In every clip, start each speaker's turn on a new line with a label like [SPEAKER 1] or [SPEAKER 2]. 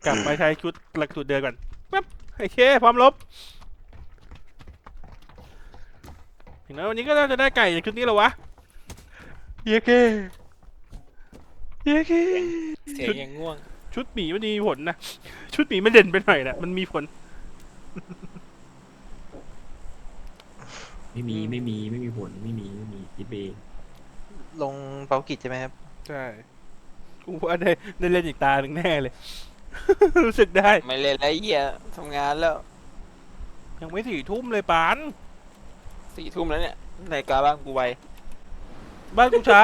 [SPEAKER 1] กลับมาใช้ชุดหลักสูตรเดิมก่อนปั๊บโอเคพร้อมลบถึงแล้ววันนี้ก็น่าจะได้ไก่จากชุดนี้แล้ววะเย้เก้เย้เก้
[SPEAKER 2] เสียงยังง่วง
[SPEAKER 1] ชุดหมีมันมีผลนะชุดหมีมันเด่นไปหน่อยนะมันมีผล
[SPEAKER 3] ไม่มีผลไม่มีคิดเอง
[SPEAKER 4] ลงเปากิจใช่ไหมครับ
[SPEAKER 1] ใช่กูว่าได้เล่นอีกตาหนึ่งแน่เลย รู้สึกได้
[SPEAKER 2] ไม่เล่นแล้วเหี้ยทำงานแล้ว
[SPEAKER 1] ยังไม่4 ทุ่มเลยปาน
[SPEAKER 2] 4 ทุ่มแล้วเนี่ยนาฬิกาบ้านกูไว
[SPEAKER 1] บ้านกูช้า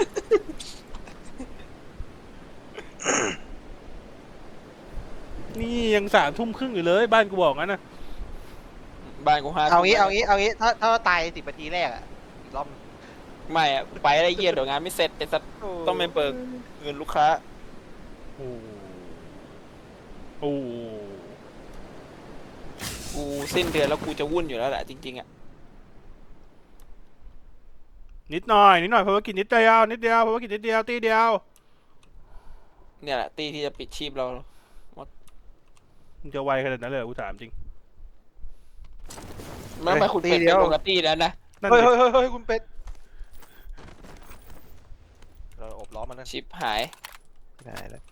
[SPEAKER 1] นี่ยัง3 ทุ่มครึ่งอยู่เลยบ้านกูบอกงั้นนะ
[SPEAKER 2] บ้านกู5
[SPEAKER 4] เอา
[SPEAKER 2] ทุ่ม
[SPEAKER 4] งี้ถ้าตาย10 นาทีแรกอะอีกรอบ
[SPEAKER 2] ไม่อะไปได้เหี้ยเดี๋ยวงานไม่เสร็จไอ้สัตว์ต้องไปเบิกเงินลูกค้า
[SPEAKER 1] โอ้โอ้
[SPEAKER 2] กูสิ้นเดือนแล้วกูจะวุ่นอยู่แล้วแหละจริงๆอ่ะ
[SPEAKER 1] นิดหน่อยภารกิจนิดเดียวภารกิจนิดเดียวตีเดียว
[SPEAKER 2] เนี่ยแหละตีที่จะปิดชีพเรา
[SPEAKER 1] มึงจะไวขนาดนั้นเลยเหรอกูถามจริง
[SPEAKER 2] ไม่ไปคุณเป็ดเป็นปกติแล้วนะ
[SPEAKER 1] นั่น
[SPEAKER 4] เฮ้ย
[SPEAKER 1] ดิ
[SPEAKER 4] เฮ้ยคุณเป็ดเราอบล้อมันนั่น
[SPEAKER 2] ชิปหาย
[SPEAKER 4] ได้แล้ว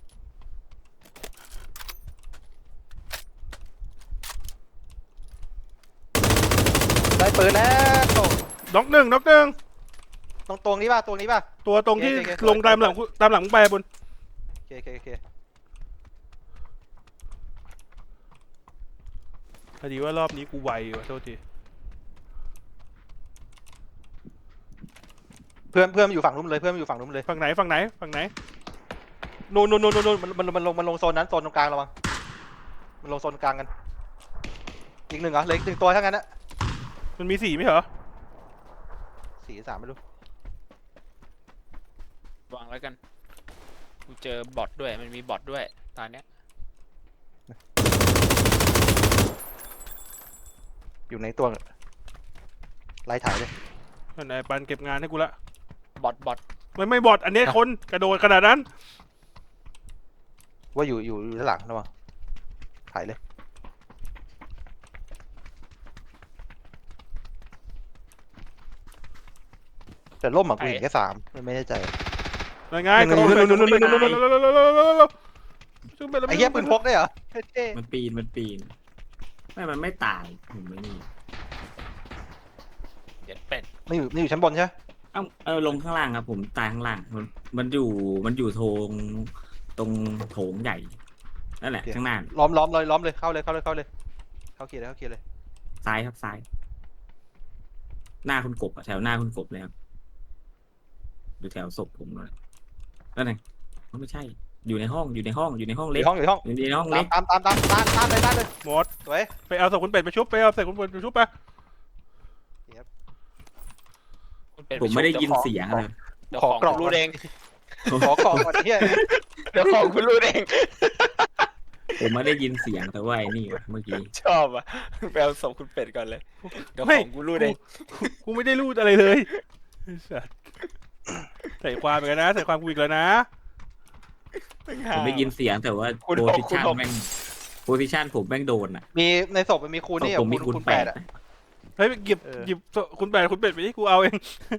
[SPEAKER 4] ได้ปืนแล้ว
[SPEAKER 1] น็อกหนึ่ง
[SPEAKER 4] ตรงนี้ป่ะตรงนี้ป่ะ
[SPEAKER 1] ตัวตรงที่
[SPEAKER 4] โอเค
[SPEAKER 1] ลงตามหลังมึงไปบน
[SPEAKER 4] โอเค
[SPEAKER 1] พอดีว่ารอบนี้กูไวว่ะโทษที
[SPEAKER 4] เพื่อนมันอยู่ฝั่งนู้นเลยเพื่อนมันอยู่ฝั่งนู้นเลย
[SPEAKER 1] ฝั่งไหน
[SPEAKER 4] นู่นมันลงโซนนั้นโซนตรงกลางระวังมันลงโซนกลางกันอีกหนึ่งเหรอเหลืออีก1 ตัวทั้งนั้นนะ
[SPEAKER 1] มันมี4ไม่เหรอ
[SPEAKER 4] 4 3ไม่รู้
[SPEAKER 2] วางแล้วกันกูเจอบอทด้วยมันมีบอทด้วยตอนเนี้ย
[SPEAKER 4] อยู่ในตัวไล่ถ่ายเลย
[SPEAKER 1] นั่นไอ้ปันเก็บงานให้กูละ
[SPEAKER 2] บอท
[SPEAKER 1] ไม่บอดอันนี้คนกระโดดขนาดนั้น
[SPEAKER 4] ว่าอยู่ด้านหลังระวังถ่ายเลยแต่ล่มอ่ะกูเห็นแค่3ไม่แน่ใจ
[SPEAKER 1] ยังไง
[SPEAKER 4] หนึ่ง
[SPEAKER 1] กระโดด
[SPEAKER 4] หนึ่ง ไอ้เหี้ยปืนพกได้เหรอเท่
[SPEAKER 3] มันปีนมันไม่ตายผมไม่นี่
[SPEAKER 2] เจ็ดเป็ด
[SPEAKER 4] ไม่อยู่ชั้นบนใช่ไหม
[SPEAKER 3] ลงข้างล่างครับผมตายข้างล่างมันอยู่ตรงโถงใหญ่นั่นแหละข้างหน้า
[SPEAKER 4] ล้อมเลยเข้าเลยเข้าเคลียร์เลย
[SPEAKER 3] ซ้ายครับซ้าย หน้าคุณกบอะแถวหน้าคุณกบเลยครับอยู่แถวศพผมเลยนั่นไงไม่ใช่ อยู่ในห้องเล็ก
[SPEAKER 4] ในห้อง
[SPEAKER 3] อยู่ในห้องเล็ก
[SPEAKER 4] ตามเลย
[SPEAKER 1] หมด
[SPEAKER 4] สวย
[SPEAKER 1] ไปเอาศพคุณเป็ดไปชุบไป
[SPEAKER 2] คุณเป็ด
[SPEAKER 3] ผมไม่ได้ยินเสียงเลย
[SPEAKER 2] เดี๋ยวของคุณรู้เอง
[SPEAKER 4] ขอกล่องก่อนเฮีย
[SPEAKER 2] เดี๋ยวของคุณรู้เอง
[SPEAKER 3] ผมไม่ได้ยินเสียงแต่ว่าไอ้นี่วะเมื่อกี้
[SPEAKER 2] ชอบอ่ะไปเอาศพคุณเป็ดก่อนเลยเดี๋ยวของกูรู้เอง
[SPEAKER 1] กูไม่ได้รูดอะไรเลยใส่ความอีกแล้วนะใส่ความกูอีกแล้วนะ
[SPEAKER 3] ผมได้ยินเสียงแต่ว่าโพซิชันผมแม่งโดนอ่ะ
[SPEAKER 4] มีในศพมันมีคูณนี่
[SPEAKER 3] ผมมีคูณ
[SPEAKER 4] 8
[SPEAKER 3] 8
[SPEAKER 4] อ่ะ
[SPEAKER 1] เฮ้ยหยิบคุณเป็ดไปที่กูเอาเอง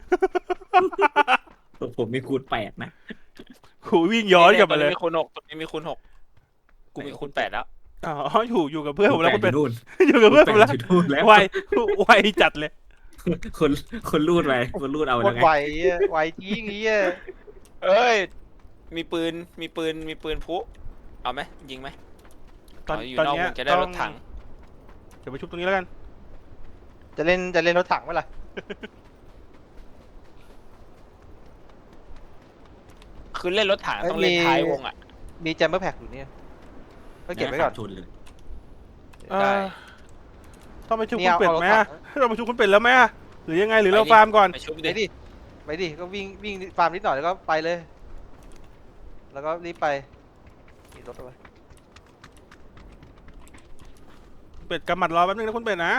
[SPEAKER 3] ผมมีคูณ 8 นะ
[SPEAKER 1] กูวิ่งย้อนกลับมาเลย
[SPEAKER 2] มีคูณ 6ตรงนี้มีคูณ 6กูมีคูณ 8แล้ว
[SPEAKER 1] อ๋ออยู่กับเพื่อนผมแล้วคุณเป็ด
[SPEAKER 3] นู่น
[SPEAKER 1] อยู่กับเพื่อนผมแล้ว
[SPEAKER 3] อยู่นู่นแล้ว
[SPEAKER 1] ไวจัดเลย
[SPEAKER 3] คนรูดไปคนรูดเอา
[SPEAKER 4] โค
[SPEAKER 3] แล้ว
[SPEAKER 4] ตร
[SPEAKER 3] ไง
[SPEAKER 4] ไวจริงเฮีย
[SPEAKER 2] เอ้ยมีปืนพุเอาไหมยิงไหม
[SPEAKER 1] ตอน
[SPEAKER 2] อยู่
[SPEAKER 1] ตอน
[SPEAKER 2] นอก
[SPEAKER 1] เนี้
[SPEAKER 2] วย งจะได้รถถัง
[SPEAKER 1] เดี๋ยวไปชุบตรงนี้แล้วกัน
[SPEAKER 4] จะเล่นรถถังไหมล่ะ
[SPEAKER 2] คือเล่นรถถังต้องเล่นท้ายวงอ่ะ
[SPEAKER 4] มีแจมเบอร์แพ็กอยู่เนี่ยก็เก็บไว้ก่อน
[SPEAKER 3] ชนเลย
[SPEAKER 2] ได้
[SPEAKER 1] ต้องไปชุบคุณเป็ดไหมต้องไปชุบคุณเป็ดแล้วไหมหรือยังไงหรือเรา
[SPEAKER 2] ไปดิ
[SPEAKER 1] ฟาร์มก่อน
[SPEAKER 2] ไปชุบ
[SPEAKER 4] ไป
[SPEAKER 2] ดิ
[SPEAKER 4] ดิก็วิ่งฟาร์มนิดหน่อยแล้วก็ไปเลย แล้วก็รีบไปมีรถเอาไว้
[SPEAKER 1] เป็ดกำหมัดรอแป๊บนึงนะคุณเป็ดนะ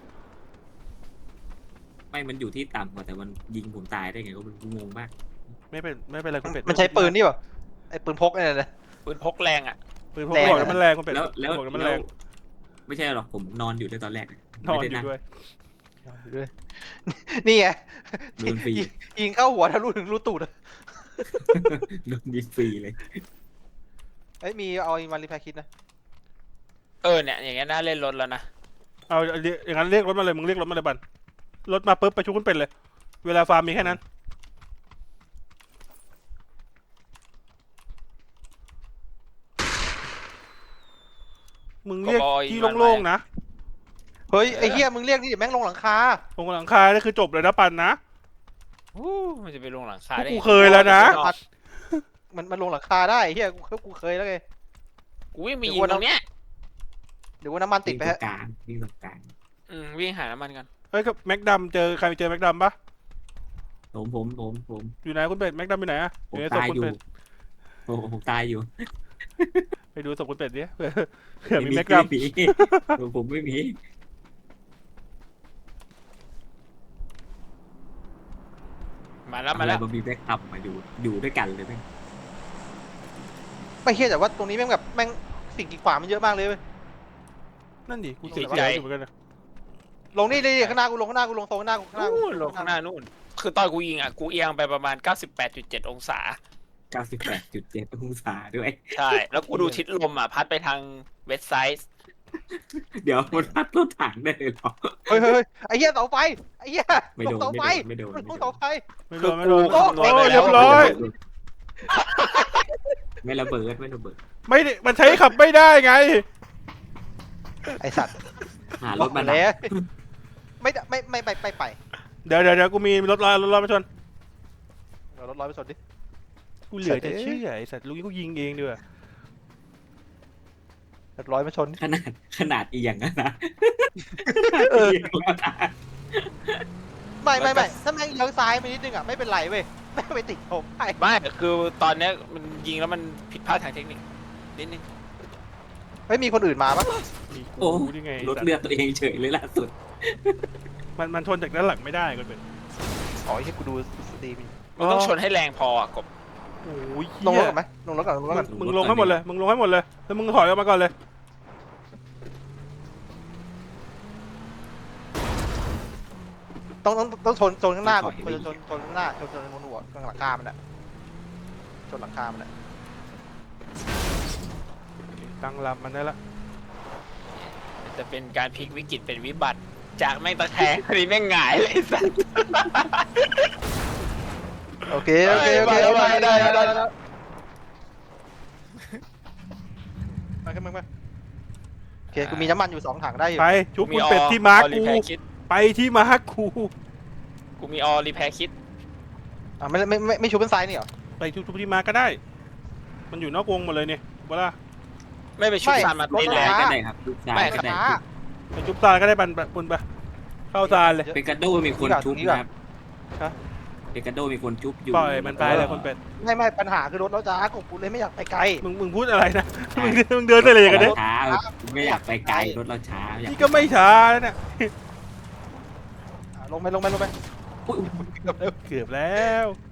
[SPEAKER 3] ไม่มันอยู่ที่ต่ำกว่าแต่มันยิงผมตายได้ไงก็งงมาก
[SPEAKER 1] ไม่เป็นไรคุณเป็ด
[SPEAKER 4] มันใช้ปืนนี่ป่ะไอ้ปืนพกเนี่ยนะ
[SPEAKER 2] ปืนพกแรงอ่ะ
[SPEAKER 1] ปืนพกบอกแล้วมันแรงคุณเป็ด
[SPEAKER 3] แล้ว
[SPEAKER 1] บอกแล้วมันแรง
[SPEAKER 3] ไม่ใช่หรอกผมนอนอยู่ด้วยตอนแรก
[SPEAKER 1] นอน
[SPEAKER 3] ไม่
[SPEAKER 1] อ
[SPEAKER 3] ได้
[SPEAKER 1] ยู่ด้วย
[SPEAKER 4] ด้วย นี่ไง
[SPEAKER 3] โดนฟรี
[SPEAKER 4] ยิงเข้าหัวทะลุถึงรูตูดอะ
[SPEAKER 3] โดนยิงฟรีเลย
[SPEAKER 4] เอ้ยมีเอามารีแพคคิดนะ
[SPEAKER 2] เนี่ยอย่างเงี้ยน่าเล่นรถแล้วนะ
[SPEAKER 1] เอาอย่างนั้นเรียกรถมาเลยมึงเรียกรถมาเลยบันรถมาปุ๊บไปชุบคุณเป็ดเลย เวลาฟาร์มมีแค่นั้นมึงเรียกที่โล่งๆนะ
[SPEAKER 4] เฮ้ยไอ้เหี้ยมึงเรียกนี่เดี๋ยวแม่งลงหลังคา
[SPEAKER 1] ตรงหลังคานี่คือจบเลยนะปันนะ
[SPEAKER 2] มันจะไปลงหลังคาได้
[SPEAKER 1] กูเคยแล้วนะ
[SPEAKER 4] มันลงหลังคาได้ไอ้เหี้ยกูเคยแล้วไง
[SPEAKER 2] กูวิ่งไปยิงตรงเนี้ย
[SPEAKER 4] เดี๋ยวว่าน้ำมันติดไป
[SPEAKER 3] วิ่งตร
[SPEAKER 4] ฮะ
[SPEAKER 3] งกลางวิ่งตรงกลาง
[SPEAKER 2] วิ่งหาน้ำมันกัน
[SPEAKER 1] เฮ้ยกับแม็กดำใครเจอแม็กดำปะ
[SPEAKER 3] ผม
[SPEAKER 1] อยู่ไหนคุณเป็ดแม็กดำอยู่ไหนอะอ
[SPEAKER 3] ผม
[SPEAKER 1] ยู่ในศพ
[SPEAKER 3] ตาย
[SPEAKER 1] คุณ
[SPEAKER 3] อยู่
[SPEAKER 1] เป็ด
[SPEAKER 3] ผมตายอยู่
[SPEAKER 1] ไปดูศพคุณเป็ดดิเผื่อมีแม็กด
[SPEAKER 3] ไม่มีผมไม่มี
[SPEAKER 2] มาแล้ว
[SPEAKER 3] มันมีแบ็คอัพมาอยู่ด้วยกันเลยไหม
[SPEAKER 4] ไม่เหี้ยแต่ว่าตรงนี้แม่งแบบแม่งสิ่งกีดขวางมันเยอะมากเลยเว้ย
[SPEAKER 1] ำนั่นดิกูเสียใจอยู่เหมือนกันนะ
[SPEAKER 4] ลงนี่เลยข้างหน้ากูลงข้างหน้ากูลงโซนข้างหน้ากูข้างหน้ากู
[SPEAKER 2] ลงข้างหน้านู่นคือตอนกูยิงกูเอียงไปประมาณ 98.7 องศา
[SPEAKER 3] 98.7 องศาด้วย
[SPEAKER 2] ใช่ แล้วกูดูทิศลมพัดไปทางเวสไซด์
[SPEAKER 3] เดี๋ยวมันพัดรถถังได้เลยเหรอ
[SPEAKER 4] เฮ้ยไอ้เหี้ยเสาไฟไอ้เหี้ย
[SPEAKER 3] ไม่
[SPEAKER 4] ล
[SPEAKER 3] โด
[SPEAKER 4] ง
[SPEAKER 3] น
[SPEAKER 4] เสาไฟ
[SPEAKER 3] ไม่โดน
[SPEAKER 4] ลงเสาไฟ
[SPEAKER 1] ไม่โดนไม่โดน
[SPEAKER 2] กูคำนวณไป
[SPEAKER 1] โอ้
[SPEAKER 2] แล้ว
[SPEAKER 1] เรียบร้อย
[SPEAKER 3] ไม่ระเบิด
[SPEAKER 1] ไม่ได้มันใช้ขับไม่ได้ไง
[SPEAKER 4] ไอสัตว์
[SPEAKER 3] หารถมา
[SPEAKER 4] แล้วไม่ไป
[SPEAKER 1] เดี๋ยวกูมีรถมาชน
[SPEAKER 4] เรารถร้อยไปสดดิ
[SPEAKER 1] กูเหลือจะเชื่อไอ้สัตว์ลูกกูยิงเองด้วย
[SPEAKER 4] รถร้อยมาชนดิ
[SPEAKER 3] ขนาดอีอย่างนั้นนะ
[SPEAKER 4] ไม่ถ้าแม่งเลี้ยวซ้ายไปนิดนึงอ่ะไม่เป็นไรเว้ยแม่งไปติดผมไป
[SPEAKER 2] ไม่คือตอนเนี้ยมันยิงแล้วมันผิดพลาดทางเทคนิคนิดนึง
[SPEAKER 4] เฮ้ยมีคนอื่นมาปะ
[SPEAKER 1] มี
[SPEAKER 3] โอ้
[SPEAKER 1] กูนี่ไง
[SPEAKER 3] รถเลือดตัวเองเฉยเลยล่าสุด
[SPEAKER 1] มันชนจากด้านหลังไม่ได้ก็เป็น
[SPEAKER 4] อ๋อที่กูดูสตรีม
[SPEAKER 2] มันต้องชนให้แรงพอกบ
[SPEAKER 1] โอ้ย
[SPEAKER 4] ลงรถ
[SPEAKER 1] เหี้ย
[SPEAKER 4] ก่อนไหมลงรถก่อน
[SPEAKER 1] มึงลงให้หมดเลยมึงลงให้หมดเลยแล้วมึงถอยออกมาก่อนเลย
[SPEAKER 4] ต้องชนข้างหน้าก่อนชนข้างหน้าชนบนหัวข้างหลังคามันอ่ะชนหลังคามันอ่ะ
[SPEAKER 1] ตั้งลำมันได้ละ
[SPEAKER 2] จะเป็นการพลิกวิกฤตเป็นวิบัติ จากแม่งตะแคงคดีแม่งหงายเลยสัส
[SPEAKER 4] โอเค
[SPEAKER 2] ได้
[SPEAKER 4] มาขึ้นมาโอเคกูมีน้ำมันอยู่2 ถังได้อยู่
[SPEAKER 1] ไปชุบคุณเป็ดที่มาร์ค
[SPEAKER 2] รี
[SPEAKER 1] กู
[SPEAKER 2] แพร์คิด
[SPEAKER 1] ไปที่มาร์คกู
[SPEAKER 2] กูมีรีแพร์คิด
[SPEAKER 4] อ่ะไม่ชูเป็นซ้ายนี่เหรอ
[SPEAKER 1] ไปชุบที่มาร์คก็ได้ มันอยู่นอกวงหมดเลยเนี่ยเวลา
[SPEAKER 2] ไม่ไปชุบซานมาเต้น
[SPEAKER 4] รถ
[SPEAKER 2] แล้
[SPEAKER 4] ม้า
[SPEAKER 2] ว
[SPEAKER 3] ก็ได้ครับลูกชาย
[SPEAKER 2] ไม่
[SPEAKER 3] ก็ได้
[SPEAKER 1] ไปชุบซานก็ได้ปุนไปเข้าซานเลย
[SPEAKER 3] เป็นกระโดมีคนชุบนะครับ
[SPEAKER 1] ฮะ
[SPEAKER 3] เป็นกระโดมีคนชุบอยู่
[SPEAKER 1] ปล่อยมันไปเลยคนเป็ด
[SPEAKER 4] ไม่ปัญหาคือรถเราจ้ากกูเลยไม่อยากไปไกล
[SPEAKER 1] มึงพูดอะไรนะมึงเดินได้เลยกันเนี่ย
[SPEAKER 3] ช้าไม่อยากไปไกลรถเราช้าอยาก
[SPEAKER 1] นี่ก็ไม่ช้าแล้วเนี่ย
[SPEAKER 4] ลงไป
[SPEAKER 3] อุ๊ย
[SPEAKER 1] เกือบแล้ว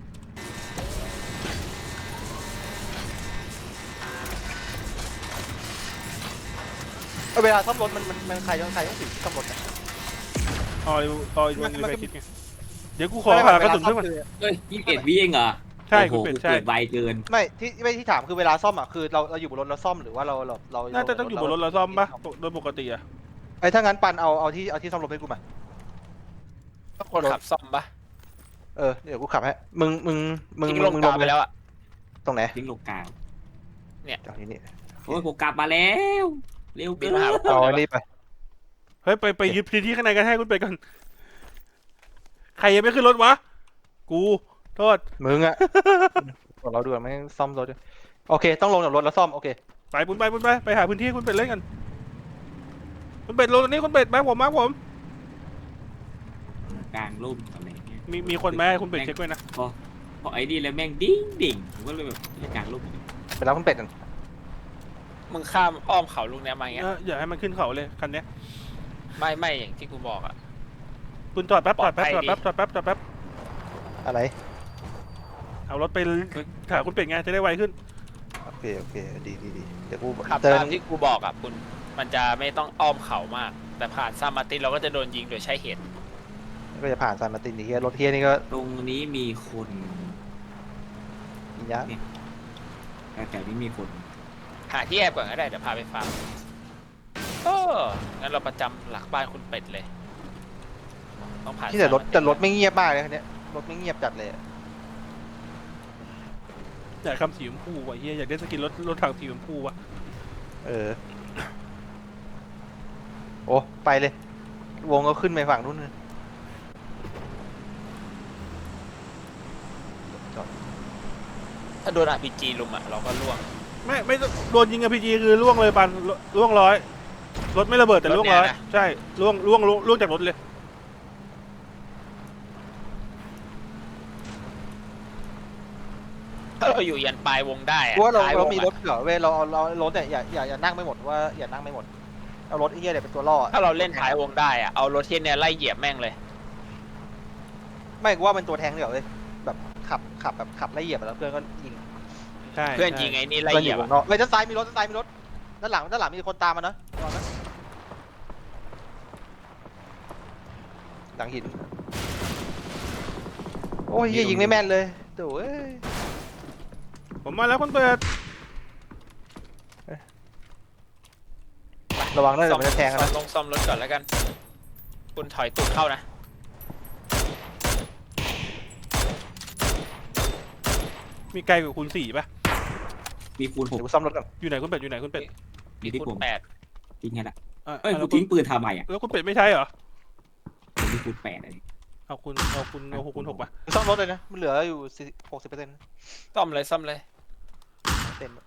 [SPEAKER 4] เวลาซ่อมรถมันใครต้องถือซ่อมรถ
[SPEAKER 1] ออยมันไปคิดไงเดี๋ยวกูขอหากระสุนเพิ่มก่อน
[SPEAKER 3] เอ้ย21 วิเองเหรอ
[SPEAKER 1] ใช่
[SPEAKER 3] โอ้
[SPEAKER 1] คุณ
[SPEAKER 3] โห
[SPEAKER 1] เป็ด
[SPEAKER 3] กู
[SPEAKER 1] ใช่
[SPEAKER 3] เกิดไวเกิน
[SPEAKER 4] ไม่ที่ถามคือเวลาซ่อมอ่ะคือเราอยู่บนรถเราซ่อมหรือว่าเรา
[SPEAKER 1] น่าจะต้องอยู่บนรถเราซ่อมปะโดยปกติอะ
[SPEAKER 4] ไอ้ถ้างั้นปันเอาที่ซ่อมรถให้กูมา
[SPEAKER 2] คนขับซ่อมปะ
[SPEAKER 4] เดี๋ยวกูขับให้มึง
[SPEAKER 2] ทิ้งลงกาวไปแล้วอะ
[SPEAKER 4] ตรงไหน
[SPEAKER 3] ทิ้งลงกลาง
[SPEAKER 4] ตรงนี้นี่
[SPEAKER 3] โอ้ยผมกลับมาแล้วเร็ว
[SPEAKER 2] บิ
[SPEAKER 3] เกิ
[SPEAKER 2] น
[SPEAKER 3] น
[SPEAKER 2] มาหา
[SPEAKER 4] เอาอันนี้ไป
[SPEAKER 1] เฮ้ยไปยึดพื้นที่ข้างในกันให้คุณเป็ดก่อนใครยังไม่ขึ้นรถวะกูโทษ
[SPEAKER 4] มึงอ่ะเราดูไม่ซ่อมรถด้วยโอเคต้องลงจากรถแล้วซ่อมโอเค
[SPEAKER 1] ไปไปหาพื้นที่คุณเป็ดเล่นกันคุณเป็ดลงตรงนี้คุณเป็ดมาผม
[SPEAKER 3] กลางร่มอะไรเงี้ย
[SPEAKER 1] มีคนไหมคุณเป็ดเช็คไว้นะ
[SPEAKER 3] พอไอ้นี่แล้วแม่งดิ่งผมก็เลยแบบกลางร่ม
[SPEAKER 4] ไปรับคุณเป็ดกัน
[SPEAKER 2] มึงข้ามอ้อมเขาลูกเนี้ยมาอย่างเงี้ย
[SPEAKER 1] อย่าให้มันขึ้นเขาเลยคันเนี้ย
[SPEAKER 2] ไม่อย่างที่กูบอกอะ
[SPEAKER 1] คุณจอดแป๊บ
[SPEAKER 4] อะไร
[SPEAKER 1] เอารถไปหาคุณเป็ดไงจะได้ไวขึ้น
[SPEAKER 4] โอเคเคโอเคดีเดี๋ยวกู
[SPEAKER 2] ขับ
[SPEAKER 4] เจอ
[SPEAKER 2] ตามที่กูบอกอ่ะคุณมันจะไม่ต้องอ้อมเขามาก แต่ผ่านซานมาร์ตินเราก็จะโดนยิงโดยใช้เหตุ
[SPEAKER 4] ก็จะผ่านซานมาร์ตินนี่เฮียรถเฮียนี่ก็
[SPEAKER 3] ตรงนี้มีคน
[SPEAKER 4] อียะ
[SPEAKER 3] แต่นี้มีคน
[SPEAKER 2] หาที่แอบก่อนก็ได้เดี๋ยวพาไปฟาร์มงั้นเราประจำหลักบ้านคุณเป็ดเลยต้องผ่าน
[SPEAKER 4] ที่แต่รถ
[SPEAKER 2] ซานมาร์ติน
[SPEAKER 4] แต่รถไม่เงียบมากเลยคันเนี้ยรถไม่เงียบจัดเลยอะ
[SPEAKER 1] อยากคำสีชมพูว่ะเฮียอยากได้สกินรถถังสีชมพูว่ะ
[SPEAKER 4] โอ้ไปเลย วงก็ขึ้นไปฝั่งนู้นเลย
[SPEAKER 2] ถ้าโดน RPG ลุมอ่ะเราก็ล่วง
[SPEAKER 1] ไม่โดนยิงกับพีจีคือล่วงเลยปันล่วงร้อยรถไม่ระเบิดแต่ล่วงร้อยใช่ล่วงจากรถเลย
[SPEAKER 2] ถ้าเราอยู่ยันปลายวงได้อะ
[SPEAKER 4] เพราะว่าเรา
[SPEAKER 2] ท้ยว
[SPEAKER 4] เรา
[SPEAKER 2] ง
[SPEAKER 4] มี
[SPEAKER 2] อะ
[SPEAKER 4] รถเหรอเว้ยเรารถเนี่ยอย่านั่งไม่หมดว่าอย่านั่งไม่หมดเอารถไอ้เหี้ยเนี่ยเป็นตัวล่อ
[SPEAKER 2] ถ้าเราเล่นท้ายวงได้อะเอารถเทียนเนี่ยไล่เหยียบแม่งเลย
[SPEAKER 4] ไม่กูว่าเป็นตัวแทงเดี๋ยวเลยแบบขับแบบขับไล่เหยียบแล้วเพื่อนก็ยิง
[SPEAKER 1] ใช่
[SPEAKER 2] เพื่อนยิงไอ้นี่ไล่
[SPEAKER 4] เพื่อน
[SPEAKER 2] เห
[SPEAKER 4] อ
[SPEAKER 2] ยีย
[SPEAKER 4] ยู่
[SPEAKER 2] บ
[SPEAKER 4] วงนอกเฮ้ยด้านซ้ายมีรถด้านหลังมีคนตามมานะระวังนะหลังหินโอ้ยเหี้ยยิงไม่แม่นเลยโถ่เอ้ย
[SPEAKER 1] ผมมาแล้วคนเปิด
[SPEAKER 4] ระวังด้วย
[SPEAKER 2] ซ่
[SPEAKER 4] เดี๋ยวมันจะแทงกันนะ
[SPEAKER 2] ซ่อมรถก่อนแล้วกัน คุณถอยตูดเข้านะ
[SPEAKER 1] มีไกลกว่าคูณ4ป่ะ
[SPEAKER 3] มีคูณห
[SPEAKER 4] เดี๋
[SPEAKER 3] ก
[SPEAKER 4] ยวกูซ่อมรถก่อน
[SPEAKER 1] อยู่ไหนคุณเป็ดอยู่ไหนคุณเป็ด
[SPEAKER 3] มีที่
[SPEAKER 2] คุ
[SPEAKER 3] ผม
[SPEAKER 2] ณ8
[SPEAKER 3] ทิ้งไงล่ะ
[SPEAKER 1] อ่ะ
[SPEAKER 3] เอ้ย
[SPEAKER 1] แล้
[SPEAKER 3] กู
[SPEAKER 1] ว
[SPEAKER 3] ทิ้งปืนทำไมอ่ะ
[SPEAKER 1] แล้วคุณเป็ดไม่ใช่เหรอ
[SPEAKER 3] ผมมีคูณ8อะไร
[SPEAKER 1] เอาคูณ6ป่ะ
[SPEAKER 4] ซ่อมรถเลยนะมันเหลืออยู่60%
[SPEAKER 2] ซ่อมเลย
[SPEAKER 4] เต็ม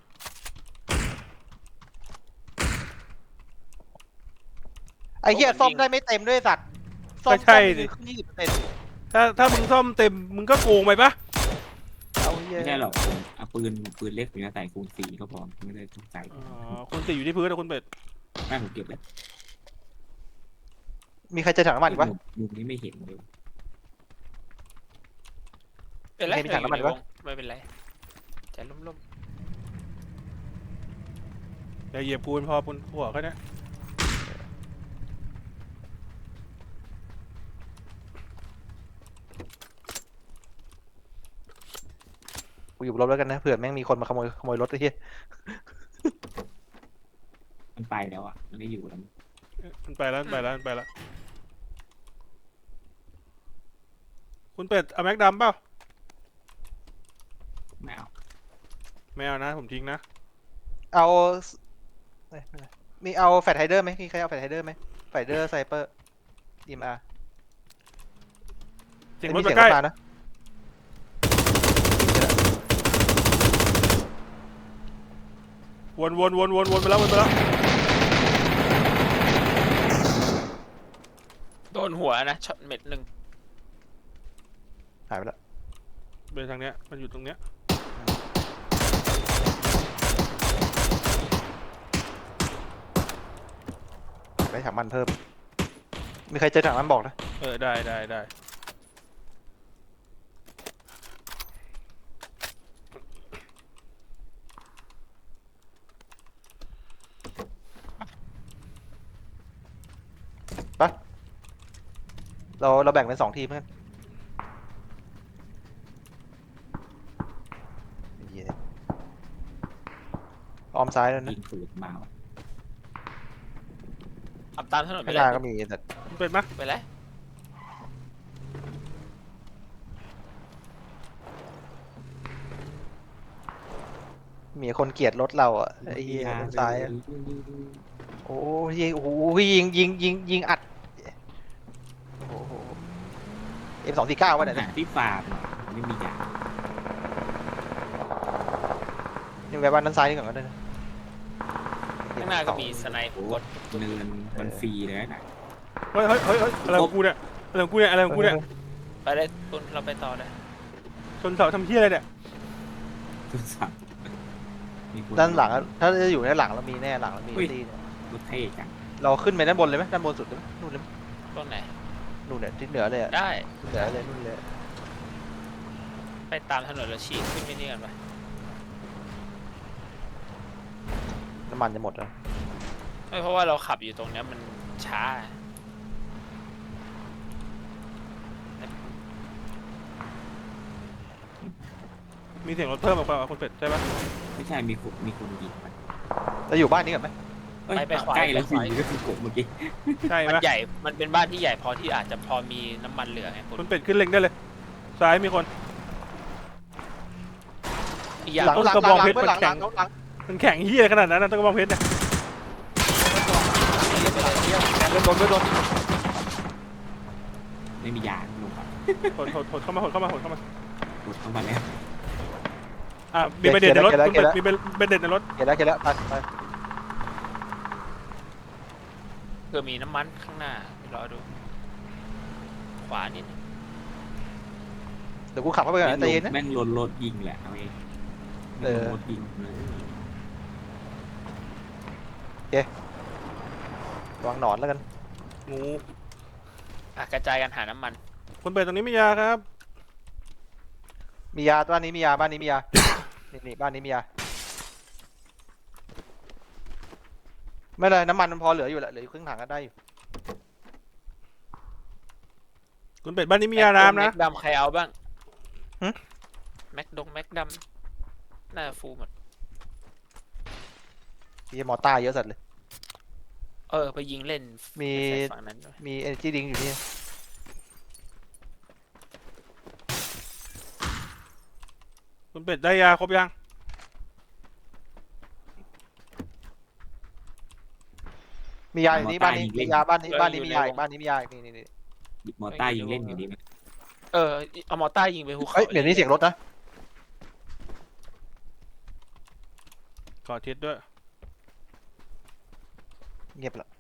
[SPEAKER 4] ไอ้เหี้ยซ่อมได้ไม่เต็มด้วยสัตว์ซ่อมได้ขึ้น20%
[SPEAKER 1] ถ้ามึงซ่อมเต็มมึงก็โกงไปป่ะ
[SPEAKER 4] เอาเหี้ย
[SPEAKER 3] ไม่ใช่หรอกผมเอาปืนเล็กผมจะใส่คูณ4ก็พอไม่ได้ต้องใส่
[SPEAKER 1] อ๋อคูณ4อยู่ที่พื้นนะคุณเป็ด
[SPEAKER 3] ไม่ผมเก็บเลย
[SPEAKER 4] มีใครเจอถังน้ำมันอีกปะ
[SPEAKER 3] มุมนี้ไม่เห็นเลย
[SPEAKER 2] เป็นไร
[SPEAKER 4] ไม่มีถังน้ำมัน
[SPEAKER 2] อยู่
[SPEAKER 4] วะ
[SPEAKER 2] ใวงไม่เป็นไรใจล่ม
[SPEAKER 1] อย่าเหยียบปูนพอปูนหัวแค่นี้
[SPEAKER 4] กูอยู่บนรถแล้วกันนะเผื่อแม่งมีคนมาขโมยรถไอ้เหี้ย
[SPEAKER 3] มันไปแล้วอ่ะมันไม่อยู่แล้ว
[SPEAKER 1] มันไปแล้วคุณเป็ดเอาแม็กดำเปล่า
[SPEAKER 3] ไม่เอา
[SPEAKER 1] ไม่เอานะผมทิ้งนะ
[SPEAKER 4] เอาเอ้ยไม่เป็นไรมีเอาแฟลชไฮเดอร์ไหมมีใครเอาแฟลชไฮเดอร์ไหมแฟลชไฮเดอร์ไซเปอร์ดีมา
[SPEAKER 1] เสียงรถมาใกล้
[SPEAKER 4] นะ
[SPEAKER 1] วนไปแล้ว
[SPEAKER 2] ๆโดนหัวนะช็อตเม็ดหนึ่ง
[SPEAKER 4] หายไปแล้ว
[SPEAKER 1] ไปทางเนี้ยมันอยู่ตรงเนี้ย
[SPEAKER 4] ได้ถังมันเพิ่ม มีใครเจอถังมันบอกนะ
[SPEAKER 1] ได้
[SPEAKER 4] เราแบ่งเป็น2 ทีมกันเหี้ยออมซ้ายแล้วนะ
[SPEAKER 3] ยิงปืนมาวะ
[SPEAKER 2] ขับตามถนนไป
[SPEAKER 4] ข้างห
[SPEAKER 2] เล
[SPEAKER 4] น้าย ก็มีแต่
[SPEAKER 1] คุณเป็ดมา
[SPEAKER 2] ไปเลย
[SPEAKER 4] มีคนเกลียดรถเราอ่ะไอ้เหี้ยด้านซ้ายอะโอ้ยโอ้โหยิงอัดโอ้โห M249 วะเนี่ย
[SPEAKER 3] หาที่ฟาร์มไม่มีอย่าง
[SPEAKER 4] นี่แวะบ้านด้านซ้ายนี่ก่อนก็ได้นะ
[SPEAKER 2] ข้างหน้าก็มีสไนป์กด
[SPEAKER 3] เนินมันฟรีเลยนะ
[SPEAKER 1] เฮ้ยอะไรของกูเนี่ย
[SPEAKER 2] ไปเลยคุณเราไปต่อเลย
[SPEAKER 1] ชนเสาทำเหี้ยอะไรเนี่ย
[SPEAKER 3] ทุกสัตว์มีคน
[SPEAKER 4] ด้านหลังอะถ้าจะอยู่ด้านหลังเรามีแน่หลังเรามีตีเนี่ย
[SPEAKER 3] รถเท่จัง
[SPEAKER 4] เราขึ้นไปด้านบนเลยไหมด้านบนสุดเลยไหมนู่นเลยไหม
[SPEAKER 2] ตรงไหน
[SPEAKER 4] นู่นเนี่ยที่เหนือเลยอะ
[SPEAKER 2] ได้
[SPEAKER 4] เหนือเลยนู่นเลย
[SPEAKER 2] ไปตามถนนแล้วฉีกขึ้นไปนี่กันไป
[SPEAKER 4] น้ำมันจะหมดแล้ว
[SPEAKER 2] ไม่เพราะว่าเราขับอยู่ตรงเนี้ยมันช้า
[SPEAKER 1] มีเสียงรถเพิ่มออกมาคุณเป็ดใช่ปะ
[SPEAKER 3] ไม่ใช่มีคนยิงมัน
[SPEAKER 4] เราอยู่บ้านนี้กันไหม
[SPEAKER 3] เอ้ย
[SPEAKER 2] ไปขวา
[SPEAKER 3] ใกล้แล้ว
[SPEAKER 2] ไป
[SPEAKER 3] สิ
[SPEAKER 2] ขวา
[SPEAKER 3] ก็คือกบเมื่อกี้
[SPEAKER 1] ใช่
[SPEAKER 2] มัน
[SPEAKER 1] ปะ
[SPEAKER 2] ใหญ่ มันเป็นบ้านที่ใหญ่พอที่อาจจะพอมีน้ำมันเหลือไงคุณ
[SPEAKER 1] คุณเป็ดขึ้นเล็งได้เลย ซ้ายมีคน
[SPEAKER 2] อีกอย่าง
[SPEAKER 4] หลัง
[SPEAKER 1] ต้น
[SPEAKER 4] หลัง
[SPEAKER 1] กระ
[SPEAKER 4] ห
[SPEAKER 1] บ
[SPEAKER 4] ลั
[SPEAKER 1] อง
[SPEAKER 4] ง
[SPEAKER 1] เพชร
[SPEAKER 4] เพื่อนหลัง
[SPEAKER 1] มันแข็
[SPEAKER 4] หลั
[SPEAKER 1] ง
[SPEAKER 4] งหลัง
[SPEAKER 1] มันแข็งเฮียขนาดนั้นนะต้นกระบองเพชรเนี่ย
[SPEAKER 4] เดินโดนเดินโดน
[SPEAKER 3] ไม่มียาลงไป
[SPEAKER 1] หดเข้ามาหดเข้ามาหดเข้ามา
[SPEAKER 3] รถเข้ามาแล้ว
[SPEAKER 1] อ่ะมีเบนเด็ดในรถคุณเป็ดมีเบนเด็ดในรถ
[SPEAKER 4] เกลียดแล้วเกลียดแล้วไป
[SPEAKER 2] เพื่อมีน้ำมันข้างหน้าเดี๋ยวรอดู ขวานิดนึง
[SPEAKER 4] เดี๋ยวกูขับเข้าไปก่อนนะใจเย็นนะ
[SPEAKER 3] แม่งรถยิงแหละเอาเอง
[SPEAKER 4] เออ
[SPEAKER 3] รถยิงเลย
[SPEAKER 4] วางหนอนแล้วกัน
[SPEAKER 1] งู
[SPEAKER 2] กระจายกันหาน้ำมัน
[SPEAKER 1] คุณเป็ดตรงนี้มียาครับ
[SPEAKER 4] มียาบ้านนี้มียาบ้านนี้มียา นี่บ้านนี้มียาไม่เลยน้ำมันมันพอเหลืออยู่แหละเหลืออยู่ครึ่งถังก็ได้อยู่
[SPEAKER 1] คุณเป็ดบ้านนี้มียาน้ำนะ
[SPEAKER 2] แม็กดำใครเอาบ้าง
[SPEAKER 4] หึ
[SPEAKER 2] แม็กดำน่าจะฟูลหมด
[SPEAKER 4] ที่มอต้าเยอะสัตว์เลย
[SPEAKER 2] ไปยิงเล่น
[SPEAKER 4] มี
[SPEAKER 2] ไปใส่ฝั่งนั้นด้วย
[SPEAKER 4] มีเอเนจีดิงอยู่นี่
[SPEAKER 1] คุณเป็ดได้ยาครบยัง
[SPEAKER 4] มียาอยู่นี่บ้านนี้มียาบ้านนี้บ้านนี้มียาอีกบ้านนี้มียาอีกนี่
[SPEAKER 3] หยิบมอต้ายิงเล่นอยู่ดีไหม
[SPEAKER 2] เอามอต้ายิงไปภูเขา
[SPEAKER 4] เฮ้ยเดี๋ยวนี้เสียงรถนะ
[SPEAKER 1] ขอทิศด้วย
[SPEAKER 4] เงียบละ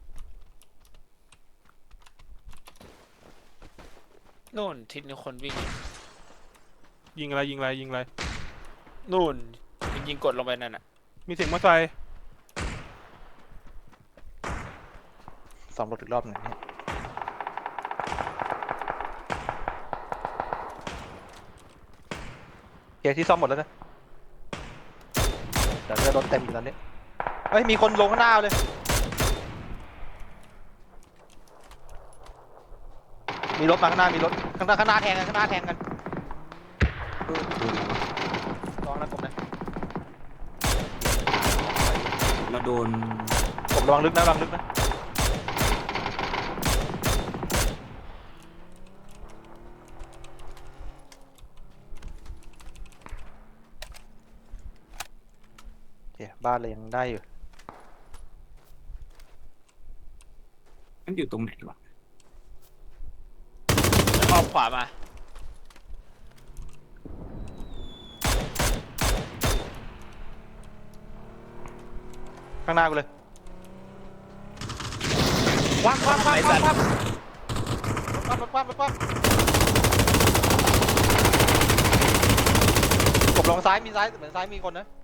[SPEAKER 2] โน่นทิศนี้คนวิ่ง
[SPEAKER 1] ยิงอะไรยิงอะไรยิงอะไร
[SPEAKER 2] นู่นมันยิงกดลงไปนั่นน่ะ
[SPEAKER 1] มีเสียงมอเตอร์ไซค์
[SPEAKER 4] ซ่อมรถอีกรอบหนึ่งนี่โอเคที่ซ่อมหมดแล้วนะแต่เรือรถเต็มอยู่ตอนนี้เฮ้ยมีคนลงข้างหน้าเลย มีรถมาข้างหน้ามีรถข้างหน้าแทงกันข้างหน้าแทงกัน
[SPEAKER 3] โดนแล้ว
[SPEAKER 4] ระวังนะผมนะ
[SPEAKER 3] เราโดน
[SPEAKER 4] ผมระวังลึกนะระวังลึกนะโอเคบ้านเลยยังได้อยู่
[SPEAKER 3] มันอยู่ตรงไหนวะ
[SPEAKER 2] อ้อมขวามา
[SPEAKER 4] ข้างหน้ากูเลยคว้างกบลงซ้ายมีซ้ายเหมือนซ้ายมีคนนะ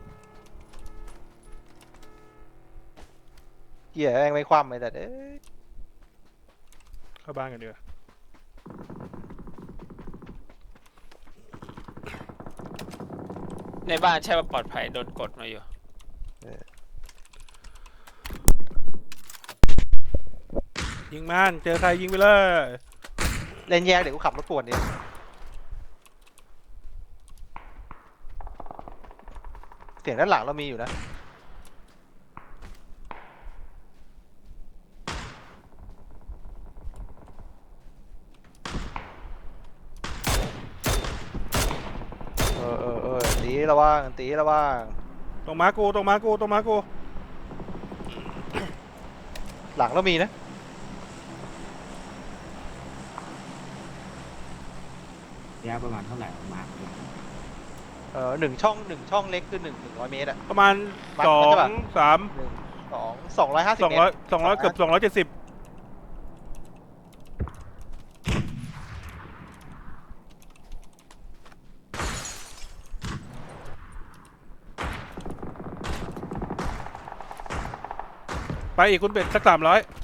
[SPEAKER 4] เกี่ยแม่งไม่คว่ำเลยแต่เอ้ย
[SPEAKER 1] เข้าบ้านกันดีกว่า
[SPEAKER 2] ในบ้านใช่ว่าปลอดภัยโดนกดมาอยู่
[SPEAKER 1] ยิงมันเจอใครยิงไปเลย
[SPEAKER 4] เล่นแยกเดี๋ยวกูขับรถป่วนดิเสียงด้านหลังเรามีอยู่นะตีระวังตีระวัง
[SPEAKER 1] ตรงม้ากูตรงม้ากูตรงม้ากู
[SPEAKER 4] หลังเรามีนะ
[SPEAKER 3] ระยะประมาณเท่าไหร่ออกมา
[SPEAKER 4] หนึ่งช่องเล็กคือ100 เมตรอะ
[SPEAKER 1] ประมาณ
[SPEAKER 4] วัด
[SPEAKER 1] สอ
[SPEAKER 4] ใช่
[SPEAKER 1] ง
[SPEAKER 4] ปะ
[SPEAKER 1] สาม
[SPEAKER 4] 250
[SPEAKER 1] 200
[SPEAKER 4] เมตร
[SPEAKER 1] 200เกือบ270ไปอีกคุณเป็ดสัก300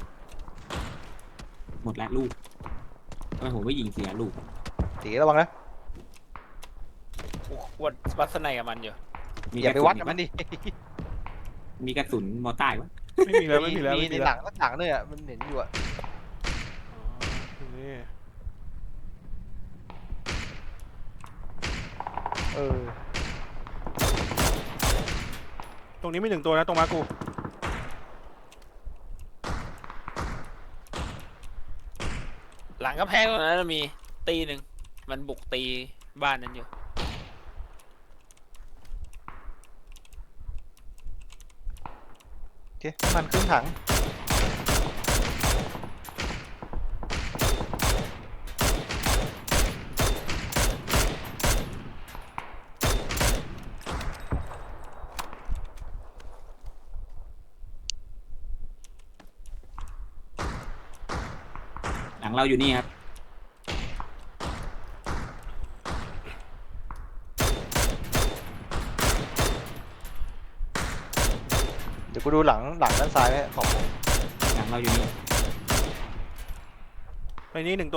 [SPEAKER 3] หมดแล้วลูกทำไมผมไม่ยิงเสียลูก
[SPEAKER 4] ตีระวังนะ
[SPEAKER 2] วัดสนัยกับมันอยู่
[SPEAKER 3] มี
[SPEAKER 4] อย่าไป
[SPEAKER 3] กระสุน
[SPEAKER 4] วัดกับมันดิ
[SPEAKER 3] มมีกระสุนมอต้าวะ
[SPEAKER 1] ไม่มีแล้วไม่มีแล้ว
[SPEAKER 4] มี
[SPEAKER 1] ไม่
[SPEAKER 4] ใน
[SPEAKER 1] มี
[SPEAKER 4] ห
[SPEAKER 1] แล้
[SPEAKER 4] ลั
[SPEAKER 1] ว
[SPEAKER 4] งก็หลังด้วยอ่ะมันเห็นอยู่อ่ะ
[SPEAKER 1] อ๋อนี่
[SPEAKER 4] เออ
[SPEAKER 1] ตรงนี้มี1ตัวนะตรงมากู
[SPEAKER 2] หลังกำแพงตรงนั้นมีตีหนึ่งมันบุกตีบ้านนั้นอยู่
[SPEAKER 4] โอเคน้ำมันครึ่งถัง
[SPEAKER 3] หลังเราอยู่นี่ครับ
[SPEAKER 4] เดี๋ยวกูดูหลังด้านซ้ายไว้ของ
[SPEAKER 3] หลังเราอยู่นี่
[SPEAKER 1] ไปนี่1ตัว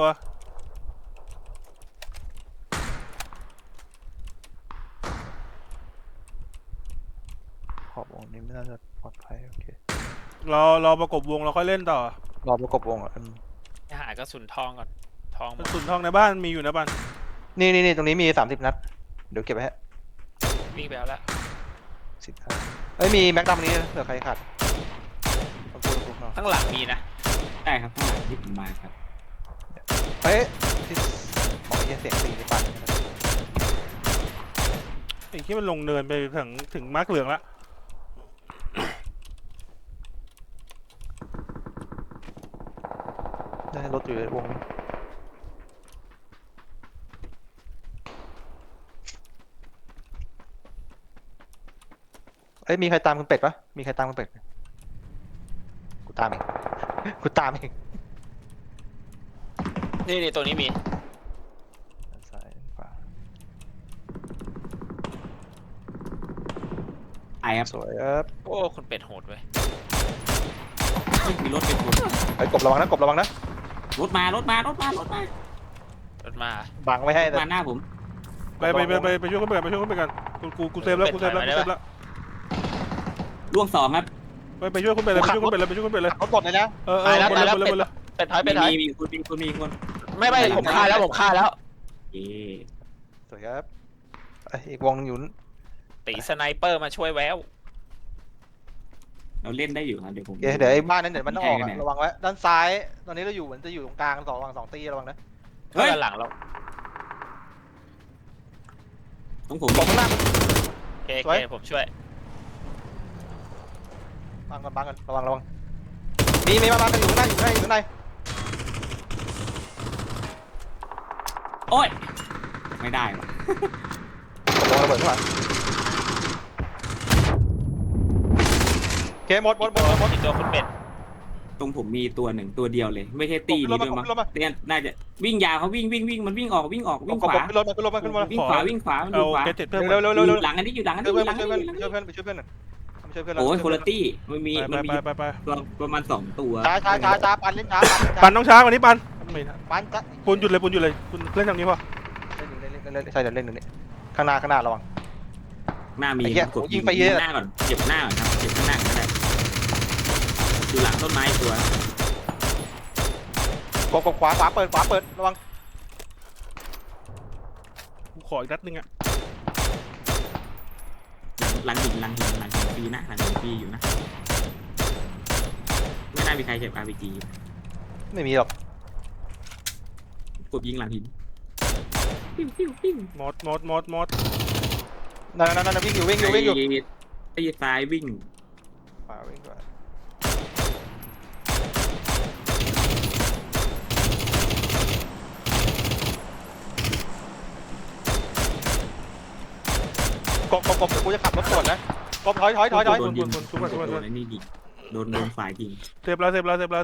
[SPEAKER 4] ขอบวงนี้ไม่น่าจะปลอดภัยโอเค
[SPEAKER 1] รอประกบวงเราค่อยเล่นต่อ
[SPEAKER 4] รอประกบวงอ่ะ
[SPEAKER 2] ไปหากระสุนทองก่อนทองหม
[SPEAKER 1] ก
[SPEAKER 2] ด
[SPEAKER 1] ระสุนทองในบ้านมีอยู่นะบ้าน
[SPEAKER 4] นี่ตรงนี้มี30 นัดเดี๋ยวเก็บไว้ฮะ
[SPEAKER 2] วิ่งไปแล้วละ
[SPEAKER 4] 15เอ้ยมีแม็กดัมนี้เผื่อใครขาดเอาพูดเนาะ
[SPEAKER 2] ข้างหลังมีนะ
[SPEAKER 3] ได้ครับข้างหลังที่ผมมาครับ
[SPEAKER 4] เฮ้ยที่บอกไอ้เสียงตีในปั่น
[SPEAKER 1] ไอ้ที่มันลงเนินไปถึงมาร์กเหลืองละ
[SPEAKER 4] ได้รถอยู่ในวงนี้เอ้ยมีใครตามคุณเป็ดปะมีใครตามคุณเป็ดไหมกูตามเอง กูตามเอง
[SPEAKER 2] นี่ตัวนี้มี
[SPEAKER 4] ด้านซ้ายด้านขวา
[SPEAKER 3] ไอครับ
[SPEAKER 4] สวยครับ
[SPEAKER 2] โอ้คุณเป็ดโหดเว้ย
[SPEAKER 3] เฮ้ยมีรถเป็นคน
[SPEAKER 4] ไอ้ยกบระวังนะกบระวังนะ
[SPEAKER 3] รถมารถมารถมารถมาร
[SPEAKER 2] ถมา
[SPEAKER 4] บังไว้ให้แต่
[SPEAKER 3] มาหน้าผม
[SPEAKER 1] ไปช่วยเขาไปกันไปช่วยเขาไปกันกูเซฟแล้วกูเซฟแล้วกูเซฟแล้ว
[SPEAKER 3] ล่วง2ครับ
[SPEAKER 1] ไปช่วยคุณเป็ดเลยไปช่วยคุณเป็ดเลยไปช่วยคุณเป็ดเลย
[SPEAKER 4] ขับรถหมดเลยนะ
[SPEAKER 1] เออหมดเลย
[SPEAKER 2] เป็ดถอยเป็ดถอย
[SPEAKER 3] มีคน
[SPEAKER 2] ไม่ผมฆ่าแล้วผมฆ่าแล้ว
[SPEAKER 3] เอ๊ะ
[SPEAKER 4] สวยครับไอ้อีกวงหนึงอยู่
[SPEAKER 2] ตีสไนเปอร์มาช่วยแวว
[SPEAKER 3] เราเล่นได้อยู่ครับเดี๋ยวผม
[SPEAKER 4] เดี๋ยวไอ้บ้านนั้นเดี๋ยวมันต้องออก
[SPEAKER 3] แทงกั
[SPEAKER 4] อะ
[SPEAKER 3] นเนี่ย
[SPEAKER 4] ระวังไว้ด้านซ้ายตอนนี้เราอยู่เหมือนจะอยู่ตรงกลางระหว่าง2 ตีระวังนะ
[SPEAKER 3] เฮ้ย
[SPEAKER 2] ด้านหลังเรา
[SPEAKER 3] ตรงผม
[SPEAKER 4] กบข้างหน้า
[SPEAKER 2] โอเคผมช่วย
[SPEAKER 4] บังก่อนระวังมีมากันอยู่ข้างหน้าอยู่ข้างใน
[SPEAKER 3] โอ้ยไม่ได้ว่ะ
[SPEAKER 4] กบระเบิดข้างหลังโอเคหมด
[SPEAKER 2] อีกตัวคุณเป็ด
[SPEAKER 3] ตรงผมมีตัวหนึ่งตัวเดียวเลย ไม่ใช่ตีนี้ด้วยมั้งเนี่ยน่าจะวิ่งยาวเขาวิ่งมันวิ่งออกวิ่งขวา
[SPEAKER 4] ขึ้นรถมามันอยู่ขวา
[SPEAKER 3] วิ่งขวามันอยู่ขวา
[SPEAKER 1] เกตเจ็ดเพิ่ม
[SPEAKER 4] เร็ว
[SPEAKER 3] อยู่หลังอันนี้อยู่หลังอัน
[SPEAKER 4] ช่
[SPEAKER 3] นี้
[SPEAKER 4] วย
[SPEAKER 3] อ
[SPEAKER 4] เพื่อน
[SPEAKER 3] ยู่หลัง
[SPEAKER 4] ช่
[SPEAKER 3] อั
[SPEAKER 4] วย
[SPEAKER 3] น
[SPEAKER 4] เพื่อน
[SPEAKER 3] นี้
[SPEAKER 4] ช่วยเพื่อนช่วยเพื่อน
[SPEAKER 3] โอ้ยคนละตี้มันมี
[SPEAKER 1] ไป
[SPEAKER 3] ตัวประมาณ2ตัว
[SPEAKER 4] ช้าปันเล่นช้า
[SPEAKER 1] ปันต้องช้ากว่านี้ปันไม่ทัน
[SPEAKER 4] ปันจะ
[SPEAKER 1] ปูนหยุดเลยคุณเล่นทางนี้พอ
[SPEAKER 4] เล่นใช่เดี๋ยวเล่นตรงนี้ข้างหน้าระวัง
[SPEAKER 3] หน้ามี
[SPEAKER 4] ไอ้เหี้ย
[SPEAKER 3] กด
[SPEAKER 4] ยิงไปเยอะ
[SPEAKER 3] หน้าก่อนเก็บหน้าก่อนครับเก็บข้างหน้าก็ได้อยู่หลังต้นไม้ตัว
[SPEAKER 4] กบขวาเปิดระวัง
[SPEAKER 1] กูขออีกนัดนึงอ่ะ
[SPEAKER 3] หลังหินปีนะหลังหินปีอยู่นะไม่น่ามีใครเก็บ RPG
[SPEAKER 4] ไม่มีหรอก
[SPEAKER 3] กดยิงหลังหินปิ้ว
[SPEAKER 1] หมด
[SPEAKER 4] นั่นวิ่งอยู่
[SPEAKER 3] ตีซ้ายวิ่ง
[SPEAKER 4] ขวาวิ่งด้วยกบเดี๋ยวกูจะขับรถสวนนะกบถอย
[SPEAKER 3] โดนยิงโดนไอ้นี่ยิงโดนฝ่ายยิง
[SPEAKER 1] เซฟแล้ว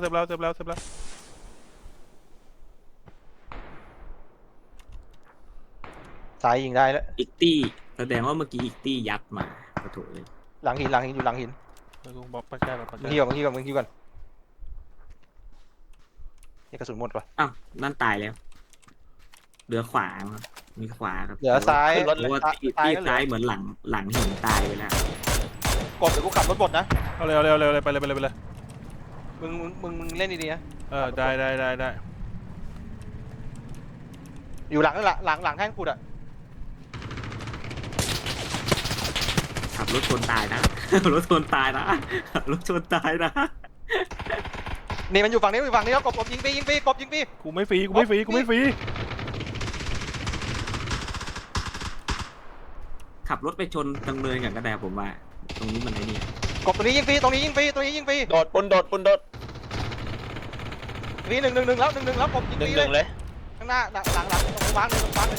[SPEAKER 4] ซ้ายยิงได้แล้ว
[SPEAKER 3] อีกตี้แสดงว่าเมื่อกี้อีกตี้ยัดมาขอโทษเลย
[SPEAKER 4] หลังหินอยู่หลังหิน
[SPEAKER 1] กูบอกปันแก้วปัน
[SPEAKER 4] มึง
[SPEAKER 1] แก้
[SPEAKER 4] ที่
[SPEAKER 1] ว
[SPEAKER 4] ก่อนนี่กระสุนหมดปะ
[SPEAKER 3] อ้าวนั่นตายแล้วเหลือขวาครับมีขวาครับ
[SPEAKER 4] เหลือซ้าย
[SPEAKER 3] เพราะว่าตี้ซ้ายเหมือนหลังหินตายไปแล้ว
[SPEAKER 4] กบเดี๋ยวกูขับรถบดนะ
[SPEAKER 1] เอาเลยเอาเลยเอาเลยเอาเลยไปเลยไปเลยไปเลย
[SPEAKER 4] มึงเล่นดีๆนะ
[SPEAKER 1] ได้ได้ได้ได้
[SPEAKER 4] อยู่หลังนั่นแหละหลังแท่งขุดอ่ะ
[SPEAKER 3] ขับรถชนตายนะ ขับรถชนตายนะขับรถชนตายนะ
[SPEAKER 4] นี่มันอยู่ฝั่งนี้อยู่ฝั่งนี้แล้วกบยิงฟรีกบยิงฟรี
[SPEAKER 1] กูไม่ฟรีกูไม่ฟรีกูไม่ฟรี
[SPEAKER 3] ขับรถไปชนตรงเนินกันก็ได้ผมว่า ตรงนี้มันไอ้นี่
[SPEAKER 4] กบตัวนี้ยิงฟรีตรงนี้ยิงฟรีตัวนี้ยิงฟรี
[SPEAKER 2] โดดปุนโดดปุนโดด
[SPEAKER 4] ฟรี1-1แล้ว1-1แล้วกบยิง
[SPEAKER 2] ห
[SPEAKER 4] ฟ
[SPEAKER 2] นึ่
[SPEAKER 4] รี
[SPEAKER 2] งหนึ่ง
[SPEAKER 4] เล
[SPEAKER 2] เลย ย
[SPEAKER 4] ข้างหน้าหลังตรงวางเลยตรงวางเลย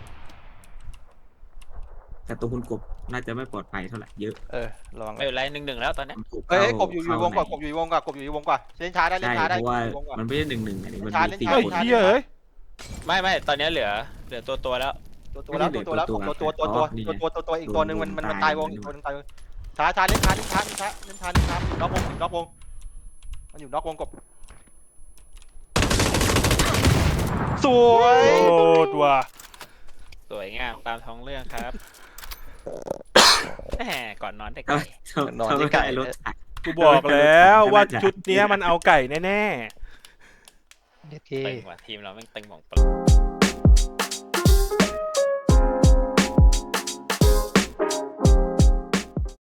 [SPEAKER 3] แต่ตัวคุณกบน่าจะไม่ปลอดภัยเท่าไหร่เยอะ
[SPEAKER 4] ระวัง
[SPEAKER 2] ไม่เป็นไร1-1แล้วตอนนี้
[SPEAKER 4] เฮ้ยกบอยู่วงกว่ากบอยู่วงกว่ากบอยู่วงกว่าเล่นช้าได้เล่
[SPEAKER 3] ใช่
[SPEAKER 4] นช้าได้
[SPEAKER 3] เพราะว่า
[SPEAKER 4] อยู่วงกว่า
[SPEAKER 3] มันไม่ใช่1-1อันนี้มัน
[SPEAKER 4] ช้า
[SPEAKER 3] มี
[SPEAKER 4] เล่น
[SPEAKER 3] สี่
[SPEAKER 4] ช้า
[SPEAKER 1] เฮ้ย
[SPEAKER 3] คน
[SPEAKER 1] เฮียเอ้ย
[SPEAKER 2] ไม่ตอนนี้เหลือตัวแล้ว
[SPEAKER 4] ตัวแล้วอีกตัวหนึ่งมันตายวงอีกตัวนึงตายวงช้าเล่นช้าน็อกวงมันอยู่นอกวงกบสวย
[SPEAKER 1] โอ้ตัว
[SPEAKER 2] สวยงามตามท้องเรื่องครับแหมก่อนนอนได้
[SPEAKER 3] เอ้
[SPEAKER 2] ไก่
[SPEAKER 3] ยถ้าไม่ได้รถถัง
[SPEAKER 1] กูบอกแล้วว่าชุดเนี้ยมันเอาไก่แน่
[SPEAKER 4] โอเค
[SPEAKER 2] ตึงว่ะทีมเราแม่งตึงหม่องเปิด